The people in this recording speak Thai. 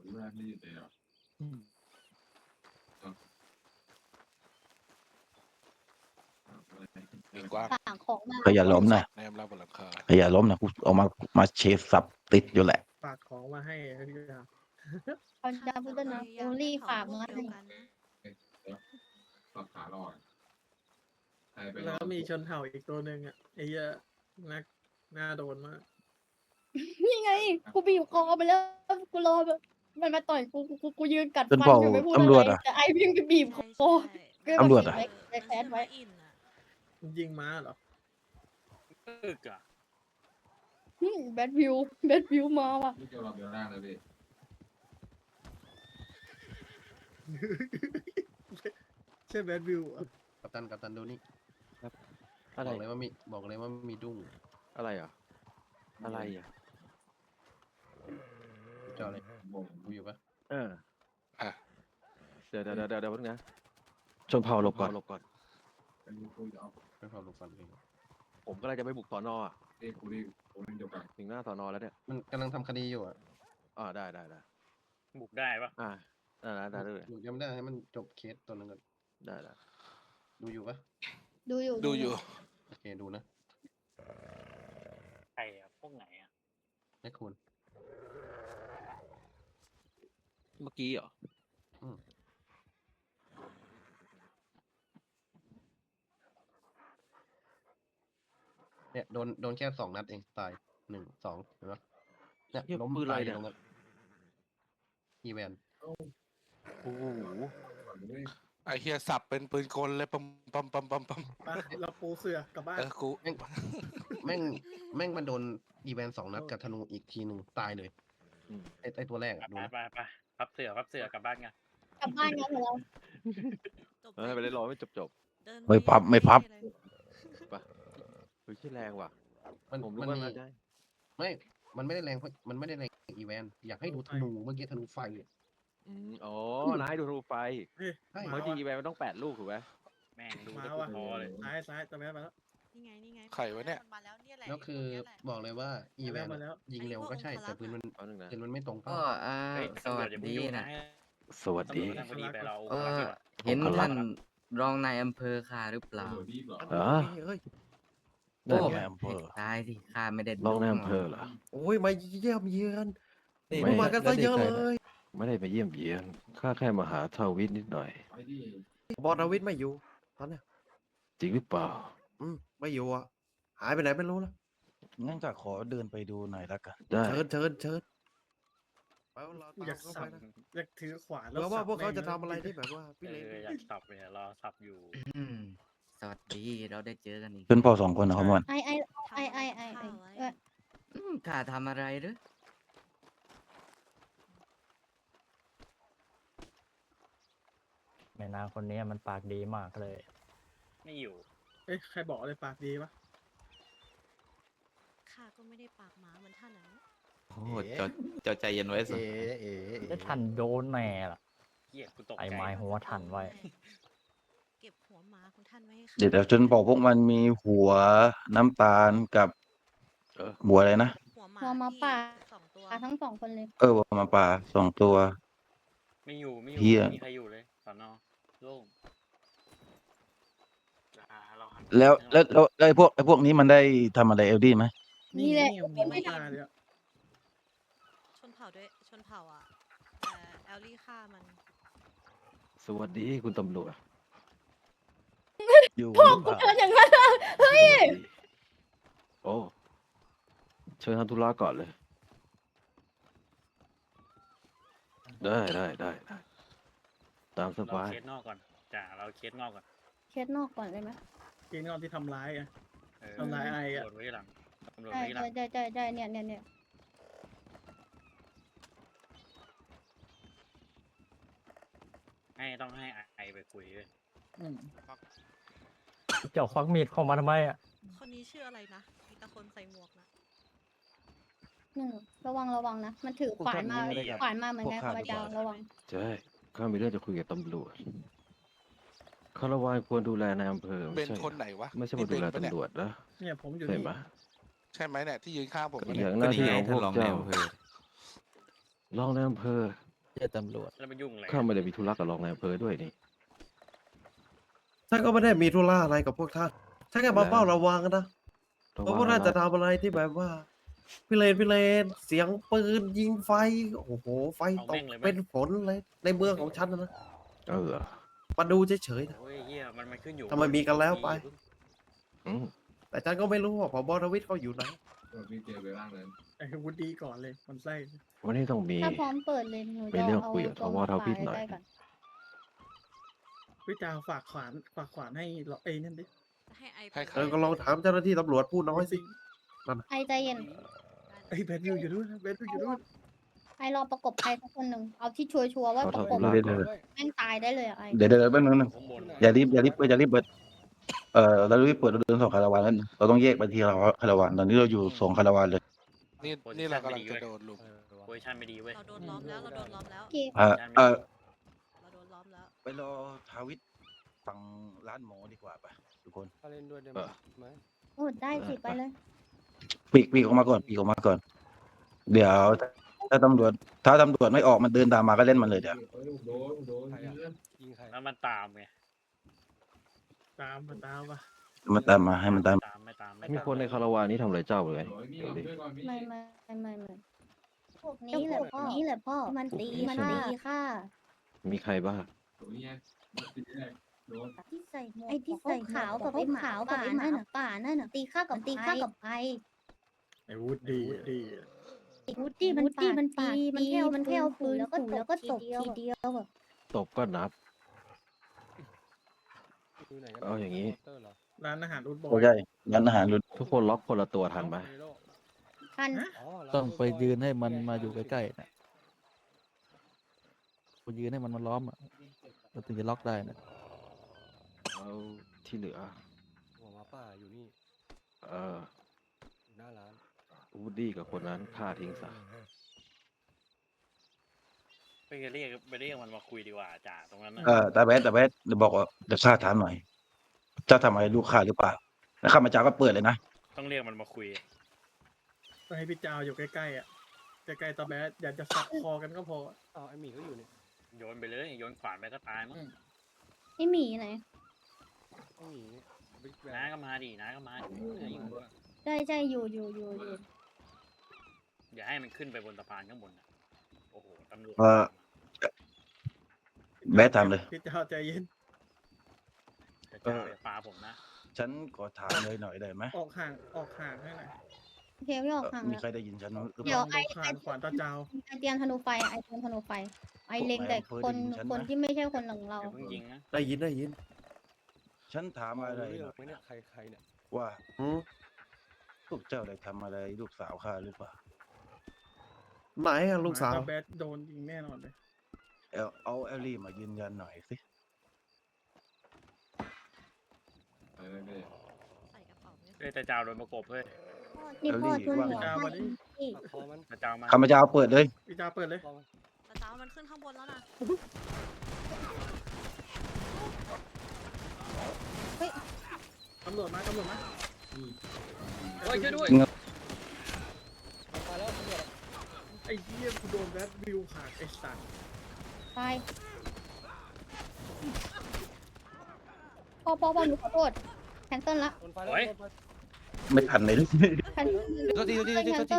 อืมมีกว้างต่างของมาก็อย่าล้มนะแนมรับบนหลังคาก็อย่าล้มนะกูเอามาเชฟสับติดอยู่แหละฝากของมาให้พี่ดาเขาจะพูดด้วยนะเอลลี่ฝากมาให้แล้วก็มีชนเผ่าอีกตัวหนึ่งอ่ะไอ้เหี้ยนักน่าโดนมากนี่ไงกูบีบคอไปแล้วกูรอแบบมันมาต่อยกูยืนกัดเป็นฟันเผ่าอยู่ไม่พูดตำอะรไรวจอะแต่ไอวิ่งไปบีบคอก็แบบตำรวจอะแบกแคสไว้ยิงม้าเหรอตึกอ่ะแบทวิวมาว่ะใช่แบดวิวอ่ะกัปตันดูนี่อะไรบอกเลยว่ามีดุ้งอะไรอ่ะอะไรอ่ะจอเลยดูอยู่ปะเอออ่ะเดี๋ยวนะชนเผ่าหลบก่อนไม่พอลงฟันเลยผมก็เลยจะไปบุกสอนอ่ะถึงหน้าสอนแล้วเนี่ยมันกำลังทำคดีอยู่อ่ะได้บุกได้ปะได้เลยยังไม่ได้ให้มันจบเคสตัวนึงก่อนได้ดูอยู่ปะดูอยู่ดูอยู่โอเคดูนะใครอ่ะพวกไหนอ่ะให้คุณเมื่อกี้เหรอเนี่ยโดนแค่2 นัดเองตาย1 2เห็นปะเนี่ยเหี้ยล้มปืนอะไรตายเนี่ยตรงนั้นอีแวนโอ้โหไอเฮียสับเป็นปืนกลเลยปั๊มไปเราปูเสือกลับบ้านกูแม่งมันโดนอีแวน2 นัดกับธนูอีกทีหนึ่งตายเลยไอตัวแรกไปอะดูนะไปพับเสือกลับบ้านกันกลับบ้านกันเถอะเราไปได้รอไม่จบไม่พับเฮ้ยชื่อแรงว่ะมันผมมันรู้ว่ามีน่าจะไม่มันไม่ได้แรงเพราะมันไม่ได้แรงอีแวนอยากให้ดูธนูเมื่อกี้ธนูไฟอะอ๋อ นายดูรูไฟเฮ้ยใช่เพราะจริงอีแวนมันต้อง8 ลูกถูกไหมแม่งดูมาจะว่ะพอเลยซ้ายตะแม่มาแล้วนี่ไงไข่วะเนี่ยมาแล้วเนี่ยแหละแล้วคือบอกเลยว่าอีแวนมาแล้วยิงเร็วก็ใช่แต่ปืนมันเอาหนึ่งนะปืนมันไม่ตรงก็เป้าสวัสดีนะสวัสดีตำรวจพอดีไปเราเออเห็นท่านรองนายอำเภอข้าหรือเปล่าเฮ้ยโอ้นั่นไงอำเภอตายสิข้าไม่ได้รองนายอำเภอเหรอโอ้ยมาเยี่ยมเยือนไม่มากันซะเยอะเลยไม่ได้ไปเยี่ยมเยียนข้าแค่มาหาทาวิทนิดหน่อยบอสวิทย์ไม่อยู่ตอนเนี้ยจริงหรือเปล่าไม่อยู่อ่ะหายไปไหนไม่รู้แล้วงั้นก็ขอเดินไปดูหน่อยละกันได้เชิญไปเราอยากเข้าสัไปบนะอยากถือขวานเผื่อว่าสับพวกเขาแม่งจะทำอะไรที่แบบว่าพี่เอเล็กออยากสับเลยรอสับอยู่สวัสดีเราได้เจอกันอีกเป็นพ่อ2 คนนะครับมันไอข้าทำอะไรหรือแม่นางคนนี้มันปากดีมากเลยไม่อยู่เอ้ยใครบอกเลยปากดีปะข้าก็ไม่ได้ปากหมาเหมือนท่านนะโอ้เจ้าใจเย็นไว้สิได้ทันโดนแน่ล่ะเหี้ยกูตกไอ้ใจไม้หัวทันไว้เก็บหัวหมาของท่านไว้ให้ข้าเดี๋ยวจนบอกพวกมันมีหัวน้ำตาลกับหัวอะไรนะหัวหมาหัวหมาที่ป่า 2 ตัวทั้ง2 คนเลยหัวหมาป่า2 ตัวไม่อยู่ไม่เหี้ยมีใครอยู่เลยสอนอโล่งเราหันแล้วไอ้พวกนี้มันได้ทำอะไรเอลดี้ไหมนี่แหละหัวหมาเลยอะชนเผ่าอ่ะแต่แอลลี่ฆ่ามันสวัสดีคุณตำรวจอยู่พ่อกูเจออย่างนั้นอะเฮ้ยโอ้เชิญทำธุระก่อนเลย ได้ตามสเราบายเคสนอกก่อนจ้าเราเคสนอกก่อนเคสนอกก่อนเลยไหมเกณฑ์งอนที่ทำร้ายอะเออทำร้ายไอ้อะตำรวจไว้ที่หลังตำรวจใช่ไว้ที่หลังใช่เนี่ยต้องให้ไอไปคุยด้วยเจ้าควักมีดเข้ามาทำไมอ่ะคนนี้ชื่ออะไรนะมีแต่คนใส่หมวกนะระวังนะ มันถือขวานมาเหมือนกันพระเจ้าระวังใช่ข้ามีเรื่องจะคุยกับตำรวจคารวานควรดูแลในอำเภอเป็ไม่นใช่คนไหนวะไม่ใช่มาดูแลนี่เบนปะเนี่ยตำรวจนะเนี่ยผมอยู่ใช่นี่ไหมใช่ไหมเนี่ยที่ยืนข้างผมก็เนี่อย ย่างหน้าที่ของพวกเจ้าก็นี่ไงท่านรองนายอำเภอรองในอำเภอเจอตำรวจแล้วมันยุ่งอะไรข้าไม่ได้มีธุระกับรองนายอำเภอด้วยนี่ท่านก็ไม่ได้มีธุระอะไรกับพวกท่านท่านแค่มาเฝ้าระวังนะเพราะพวกท่านจะทำอะไรที่แบบว่าพิเรนเสียงปืนยิงไฟโอ้โหไฟตกเป็นฝนเลยในเมืองของฉันนะเออมาดูเฉยๆนะโอ้ยเฮียมันขึ้นอยู่ทำไมมีกันแล้วไปอืมแต่ฉันก็ไม่รู้ว่าผบ.ทวิตเขาอยู่ไหนไอ้วุฒิก่อนเลยมันไส้วันนี้ต้องมีถ้าพร้อมเปิดเลยหนูมีจะเรื่องเอาคุยกับตัวทวทวิทย์หน่อยใกล้ๆก่อนพี่จาวฝากขวานให้เราเอ้ยนั่นดิให้ไอให้ใครก็ลองถามเจ้าหน้าที่ตำรวจพูดน้อยสิไอใจเย็นไอ้ยแบทวิวอยู่ด้วยนะแบทวิวอยู่ด้วยไอรอประกบใครสักคนหนึ่งเอาที่ชัวร์ๆว่าขอปโทระษกบลาเดี๋ยวก่อนแม่งตายได้เลยอะไอเดี๋ยวแป๊บนึงนะข้างบนอย่ารีบเปิดเรารีบเปิดเราเดินสองคาราวานแล้วเราต้องแยกไปทีละคาราวานตอนนี้เราอยู่สองคาราวานเลยนี่เรากำลังจะโดนลุมโพซิชั่นไม่ดีเว้ยเราโดนล้อมแล้วเราโดนล้อมแล้วโอเคเราโดนล้อมแล้วไปรอทาวิทฝั่งร้านหมอดีกว่าปะทุกคนเออโอ้ได้สิไปเลยปีกออกมาก่อนเดี๋ยวถ้าตำรวจไม่ออกมันเดินตามมาก็เล่นมันเลยเดี๋ยวแล้วมันตามไงตามมาตามมามันตามมาให้มันตามไม่ตามมีคนในคาราวานนี้ทำอะไรเจ้าเลยเดี๋ยวดิไม่พวกนี้แหละพ่อมันตีค่ะมีใครบ้างที่ใส่หมวกไอที่ใส่ขาวกับไอหมาป่านั่นน่ะตีข้ากับไอไอ้วุฒิดีวูดดี้มันแค่เอาปืนแล้วก็ตบทีเดียวแบบตบก็นับ เอาอย่างนี้ร้านอาหารอุดบอโอ้ยใช่ร้านอาหารรุ่นทุกคนล็อกคนละตัวทันไหมทันต้องไปยืนให้มันมาอยู่ใกล้ๆนะไปยืนให้มันมาล้อมอ่ะเราถึงจะล็อกได้นะแล้วที่เหลือ เออวูดดี้กับคนนั้นฆ่าทิ้งซะไปเรียกมันมาคุยดีกว่าจ่าตรงนั้นนะตาแบดเดี๋ยวบอกว่าเดี๋ยวข้าถามหน่อยเจ้าทำอะไรลูกข้าหรือเปล่าแล้วข้ามาจาก็เปิดเลยนะต้องเรียกมันมาคุยก็ให้พี่จาวอยู่ใกล้ๆอ่ะใกล้ๆตาแบทอยากจะสับคอกันก็พอโยนไปเลยโยนขวานไปก็ตายมั้งไอหมีไหนน้าก็มาดิน้าก็มาดิน้าอยู่ด้วยใช่อยู่อย่าให้มันขึ้นไปบนสะพานข้างบนน่ะโอ้โหตำรวจแบดทำเลยพี่จาวใจเย็นจะจ่าอย่าปาผมนะฉันขอถามเลยหน่อยได้ไหมออกห่างให้หน่อยโอเคไม่ออกห่างมีแล้วใครได้ยินฉันหรือเปเดี๋ยวล่าขวานตาจาวไอเตรียมธนูไฟไอเล็งแต่คนที่ไม่ใช่คนหลังเราอย่าเพิ่งยิงนะได้ยินฉันถามอะไรหน่อยนะว่าหืมลูกเจ้าได้ทำอะไรลูกสาวข้าหรือเปล่าไหนอะลูกสาวตาแบทโดนยิงแน่นอนเลยเอาแอลลี่มายืนยันหน่อยสิใส่กระเป๋าไม่เฮ้ยแต่จ่าโดนประกบเฮ้ยนี่พ่อทุนหัวจาวมาดิแต่จ่ามาข้ามาจะเอาเปิดเลยพี่จาวเปิดเลยแต่เจ้ามันขึ้นข้างบนแล้วนะตำรวจมาเฮ้ยช่วยด้วยไอ้เหี้ยกูโดนแบทวิวขาดไอ้สัตว์ตายพ่อหนูขอโทษแคนเซิลละเฮ้ยไม่ทันเลยแคนเซิล